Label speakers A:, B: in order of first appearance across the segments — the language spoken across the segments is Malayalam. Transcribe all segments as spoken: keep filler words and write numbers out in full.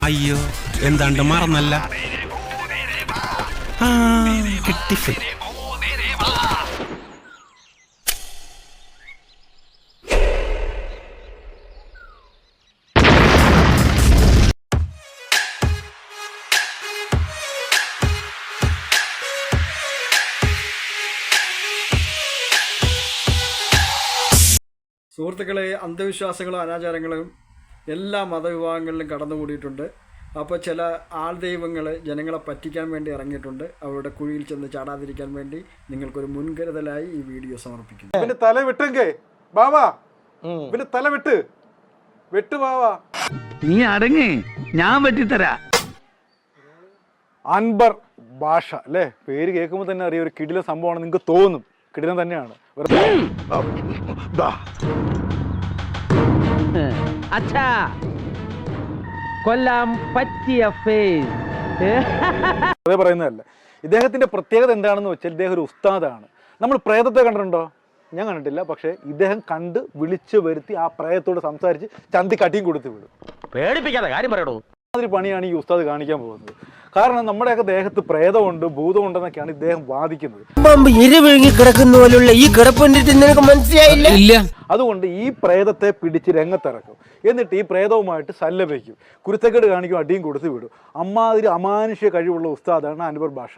A: അയ്യോ എന്താണ്ട് മറന്നല്ല. കിട്ടി.
B: സുഹൃത്തുക്കളെ, അന്ധവിശ്വാസങ്ങളും അനാചാരങ്ങളും എല്ലാ മതവിഭാഗങ്ങളിലും കടന്നുകൂടിയിട്ടുണ്ട്. അപ്പോൾ ചില ആൾദൈവങ്ങൾ ജനങ്ങളെ പറ്റിക്കാൻ വേണ്ടി ഇറങ്ങിയിട്ടുണ്ട്. അവരുടെ കുഴിയിൽ ചെന്ന് ചാടാതിരിക്കാൻ വേണ്ടി നിങ്ങൾക്കൊരു മുൻകരുതലായി ഈ വീഡിയോ സമർപ്പിക്കുന്നു.
C: പിന്നെ തല വിട്ടെങ്കേ ബാവാ, പിന്നെ തല വിട്ട് വെട്ട് ബാവാ.
D: നീ അടങ്ങി, ഞാൻ വെട്ടിത്തരാ.
C: അൻവർ ഭാഷ അല്ലേ, പേര് കേൾക്കുമ്പോൾ തന്നെ അറിയാം ഒരു കിടിലൻ സംഭവമാണ്. നിങ്ങൾക്ക് തോന്നും കിടിലൻ തന്നെയാണ്.
D: അച്ഛാ, കൊല്ലാൻ പറ്റിയ ഫേസ്.
C: അതേ പറയുന്നതല്ല. ഇദ്ദേഹത്തിന്റെ പ്രത്യേകത എന്താണെന്ന് വെച്ചാൽ ഇദ്ദേഹം ഒരു ഉസ്താദാണ്. നമ്മൾ പ്രേതത്തെ കണ്ടിട്ടുണ്ടോ? ഞാൻ കണ്ടിട്ടില്ല. പക്ഷേ ഇദ്ദേഹം കണ്ട് വിളിച്ചു വരുത്തി ആ പ്രേതത്തോട് സംസാരിച്ച് ചന്തി കട്ടിയും കൊടുത്ത് വിടും.
D: പേടിപ്പിക്കാതെ കാര്യം പറയണോ.
C: മാതിരി പണിയാണ് ഈ ഉസ്താദ് കാണിക്കാൻ പോകുന്നത്. കാരണം നമ്മുടെയൊക്കെ ദേഹത്ത് പ്രേതമുണ്ട്, ഭൂതമുണ്ടെന്നൊക്കെയാണ് ഇദ്ദേഹം വാദിക്കുന്നത്.
E: കിടക്കുന്ന പോലുള്ള ഈ കിടപ്പുണ്ടിട്ട് നിനക്ക് മനസ്സിലായില്ല. ഇല്ല.
C: അതുകൊണ്ട് ഈ പ്രേതത്തെ പിടിച്ച് രംഗത്തിറക്കും. എന്നിട്ട് ഈ പ്രേതവുമായിട്ട് സല്ലപിക്കും, കുരുത്തക്കേട് കാണിക്കും, അടിയും കൊടുത്ത് വിടും. അമ്മാതിരി അമാനുഷ്യ കഴിവുള്ള ഉസ്താദാണ് അൻവർ ഭാഷ.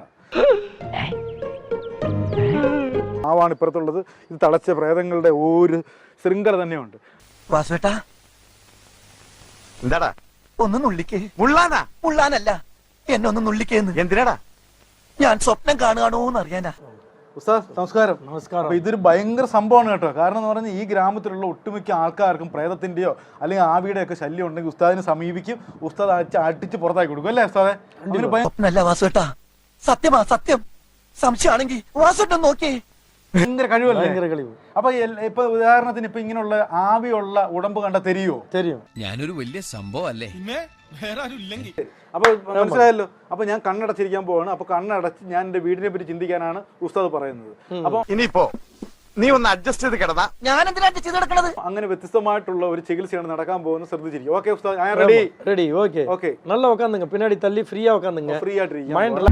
C: ആവാണ് ഇപ്പുറത്തുള്ളത്. ഇത് തളച്ച പ്രേതങ്ങളുടെ ഒരു ശൃംഖല തന്നെയുണ്ട്.
E: വാസുവേട്ടാ,
F: എന്താടാ
E: ഒന്ന് നുള്ളിക്കേ.
F: മുള്ളാനാ?
E: മുള്ളാനല്ല, എന്നെ ഒന്ന് നുള്ളിക്കേന്ന്.
F: എന്തിനാടാ?
E: ഞാൻ സ്വപ്നം കാണുകയാണോന്ന് അറിയാനാ.
C: ഉസ്താദ് നമസ്കാരം. നമസ്കാരം. അപ്പൊ ഇതൊരു ഭയങ്കര സംഭവമാണ് കേട്ടോ. കാരണം എന്ന് പറഞ്ഞാൽ ഈ ഗ്രാമത്തിലുള്ള ഒട്ടുമിക്ക ആൾക്കാർക്കും പ്രേതത്തിന്റെയോ അല്ലെങ്കിൽ ആവിയുടെ ഒക്കെ ശല്യം ഉണ്ടെങ്കിൽ ഉസ്താദിനെ സമീപിക്കും. ഉസ്താദ് അടിച്ച് അടിച്ച് പുറത്താക്കി കൊടുക്കും അല്ലേ ഉസ്താദെ?
E: സ്വപ്നല്ല വാസുവേട്ടാ, സത്യമാ സത്യം. സംശയമാണെങ്കിൽ വാസുവേട്ടൻ നോക്കിയേ.
C: ഭയങ്കര കഴിവല്ലേ? ഭയങ്കര കഴിവ്. അപ്പൊ ഇപ്പൊ ഉദാഹരണത്തിന് ഇപ്പൊ ഇങ്ങനെയുള്ള ആവിയുള്ള ഉടമ്പ് കണ്ട തെരിയോ? തെരിയും.
G: ഞാനൊരു വലിയ സംഭവം അല്ലേ.
C: അപ്പൊ മനസ്സിലായല്ലോ. അപ്പൊ ഞാൻ കണ്ണടച്ചിരിക്കാൻ പോവാണ്. അപ്പൊ കണ്ണടച്ച് ഞാൻ എന്റെ വീടിനെ പറ്റി ചിന്തിക്കാനാണ് ഉസ്താദ് പറയുന്നത്. അപ്പൊ
F: ഇനിയിപ്പോ നീ ഒന്ന് അഡ്ജസ്റ്റ് ചെയ്ത് കിടന്നാ
E: ഞാൻ എന്തിനാ ചെയ്ത് കിടക്കണത്?
C: അങ്ങനെ വ്യത്യസ്തമായിട്ടുള്ള ഒരു ചികിത്സയാണ് നടക്കാൻ പോകുന്നത്. ശ്രദ്ധിച്ചിരിക്കും. ഓക്കെ ഉസ്താദ്, ഞാൻ റെഡി.
H: ரெடி ஓகே
C: ஓகே
H: நல்லா உட்காந்துங்க, பின்னாடி தள்ளி ஃப்ரீயா உட்காந்துங்க.
C: ഫ്രീ ആയിട്ടിരിക്കും.
H: மைண்ட்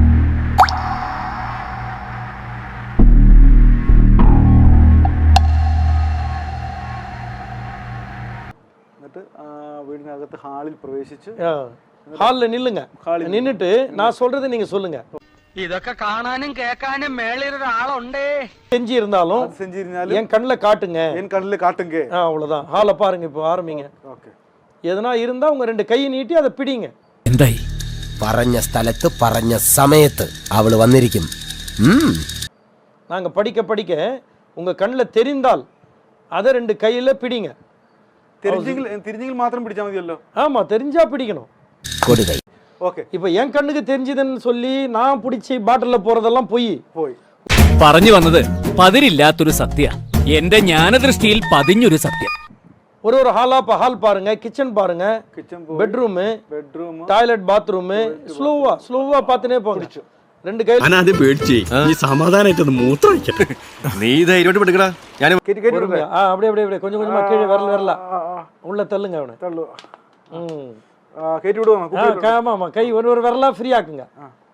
C: എന്നിട്ട് വീടിനകത്ത് ഹാളിൽ പ്രവേശിച്ച്
H: ஹால்ல நில்லுங்க. நின்னுட்டு நான் சொல்றது நீங்க சொல்லுங்க.
D: ഇതൊക്കെ കാണാനും കേൾക്കാനും മേളിൽ ഒരാളുണ്ടേ.
H: செஞ்சு இருந்தாலும்
C: செஞ்சிருந்தாலும்
H: என் கண்ணுல காட்டுங்க.
C: என் கண்ணுல காட்டுங்க.
H: அவ்வளவுதான். ஹாலை பாருங்க, இப்போ ஆரம்பிங்க.
C: ஓகே.
H: எதனா இருந்தா உங்க ரெண்டு கையை நீட்டி அதை பிடிங்க.
E: എന്തായി? പറഞ്ഞ സ്ഥലത്ത് പറഞ്ഞ സമയത്ത് അവള് വന്നിരിക്കും.
H: நாங்க படிக்க படிக்க உங்க கண்ணுல தெரிந்தால் அதை ரெண்டு கையில பிடிங்க.
C: தெரிஞ்செങ്കിൽ தெரிஞ்செങ്കിൽ മാത്രം പിടിച്ചാൽ മതിയല്ലോ.
H: ஆமா, தெரிஞ்சா பிடிக்கணும்.
E: കൊടുകൈ.
C: ഓക്കെ.
H: இப்போ என் கண்ணுக்கு தெரிஞ்சதுன்னு சொல்லி நான் பிடிச்சி பாட்டில்ல போறதெல்லாம் போய்
C: പോയി.
I: പറഞ്ഞു വന്നത് പതിരില്ലാത്തൊരു സത്യ, എന്റെ ജ്ഞാനദൃഷ്ടിയിൽ പതിഞ്ഞൊരു സത്യം.
H: ஒரு ஒரு ஹாலா இப்போ ஹால் பாருங்க, கிச்சன் பாருங்க,
C: kitchen
H: bedroom,
C: bedroom,
H: toilet, bathroom, ஸ்லோவா ஸ்லோவா பார்த்துனே போங்க. ரெண்டு கை
G: ഞാനത് പേടിച്ചേ. ഈ സമാധാനായിട്ട് മൂത്രം ഒഴിക്കട്ടെ. നീ ധൈര്യമായിട്ട് പെടുക്കടാ. ഞാൻ
C: കേറ്റി കേറ്റി വിടട്ടെ.
H: ஆ அப்படியே அப்படியே அப்படியே கொஞ்சம் கொஞ்சமா கீழே வரல வரல உள்ள தள்ளுங்க அவனை.
C: തള്ളു.
H: ம்
C: ആ കേറ്റി വിടുവാ.
H: ஆ ஆமா ஆமா, கை ஒரு ஒரு வரலா ஃப்ரீ ஆக்குங்க.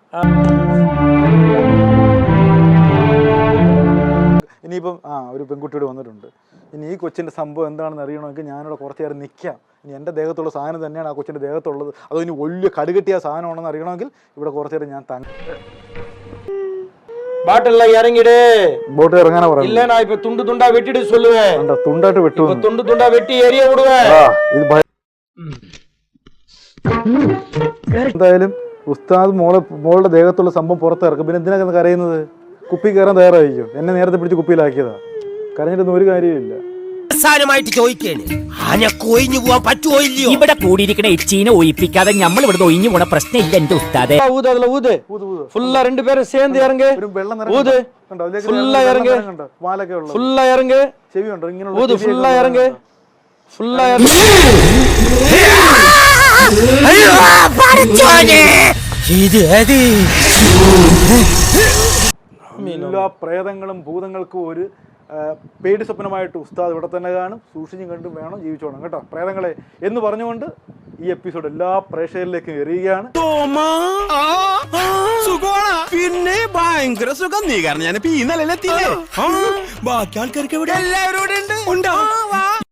C: ഇനിയിപ്പം ആ ഒരു പെൺകുട്ടിയോട് വന്നിട്ടുണ്ട്. ഇനി ഈ കൊച്ചിൻ്റെ സംഭവം എന്താണെന്ന് അറിയണമെങ്കിൽ ഞാനിവിടെ കുറച്ച് നേരം നിൽക്കാം. ഇനി എൻ്റെ ദേഹത്തുള്ള സാധനം തന്നെയാണ് ആ കൊച്ചിൻ്റെ ദേഹത്തുള്ളത്, അതോ ഇനി വലിയ കടുകെട്ടിയ സാധനമാണെന്ന് അറിയണമെങ്കിൽ ഇവിടെ കുറച്ച് നേരം ഞാൻ തങ്ങി.
H: பாட்டில்ல இறங்கிடு.
C: ബോട്ട് ഇറങ്ങാനാ പറയുന്നത്.
H: இல்ல நான் இப்ப துண்டு துண்டா வெட்டிடு சொல்லுவேன்.
C: തുണ്ടായിട്ട് വെട്ടു.
H: இப்ப துண்டு துண்டா வெட்டி எரிய விடுவேன்.
C: ഇത് എന്തായാലും ഉസ്താദ് മോളെ മോളുടെ ദേഹത്തുള്ള സംഭവം പുറത്തിറക്കും. പിന്നെ എന്തിനാ കരയുന്നത്? കുപ്പി കയറാൻ തയ്യാറായിരിക്കും. എന്നെ നേരത്തെ പിടിച്ച് കുപ്പിയിലാക്കിയതാ. കരഞ്ഞിട്ടൊന്നും ഒരു കാര്യമില്ല.
E: അവസാനമായിട്ട് ചോദിക്കേണ്, ആനക്ക് ഒഴിഞ്ഞു പോവാൻ പറ്റുമോ ഇല്ലയോ?
I: ഇവിടെ കൂടിയിരിക്കണ എച്ചീനെ ഒഴിപ്പിക്കാതെ നമ്മൾ ഇവിടെ ഒഴിഞ്ഞു പോണ പ്രശ്നം ഇല്ല എന്റെ ഉസ്താദെ.
H: ஊது அதுல ஊது. ஃபுல்லா ரெண்டு பேரும் சேர்ந்து இறங்கு.
C: ഒരു വെള്ളം
H: ஊது. ஃபுல்லா இறங்கு.
C: വാലൊക്കെ ഉള്ളത്.
H: ஃபுல்லா இறங்கு.
C: ചെവി ഉണ്ടോ ഇങ്ങനെ?
H: ஊது. ஃபுல்லா இறங்கு. ஃபுல்லா இறங்கு.
E: അയ്യോ പടച്ചോനെ, ഇത് അത്
C: എല്ലാ പ്രേതങ്ങളും ഭൂതങ്ങൾക്കും ഒരു പേടി സ്വപ്നമായിട്ട് ഉസ്താദ് ഇവിടെ തന്നെ കാണും. സൂക്ഷിച്ചും കണ്ടും വേണം ജീവിച്ചോണം കേട്ടോ പ്രേതങ്ങളെ എന്ന് പറഞ്ഞുകൊണ്ട് ഈ എപ്പിസോഡ് എല്ലാ പ്രേക്ഷകരിലേക്കും എറിയുകയാണ്.
A: പിന്നെ ഭയങ്കര സുഖം. നീ കാരണം ഞാൻ ഈ നിലയിലെത്തിയില്ലേ? ബാക്കി ആൾക്കാർക്ക് എല്ലാവരും ഉണ്ട്.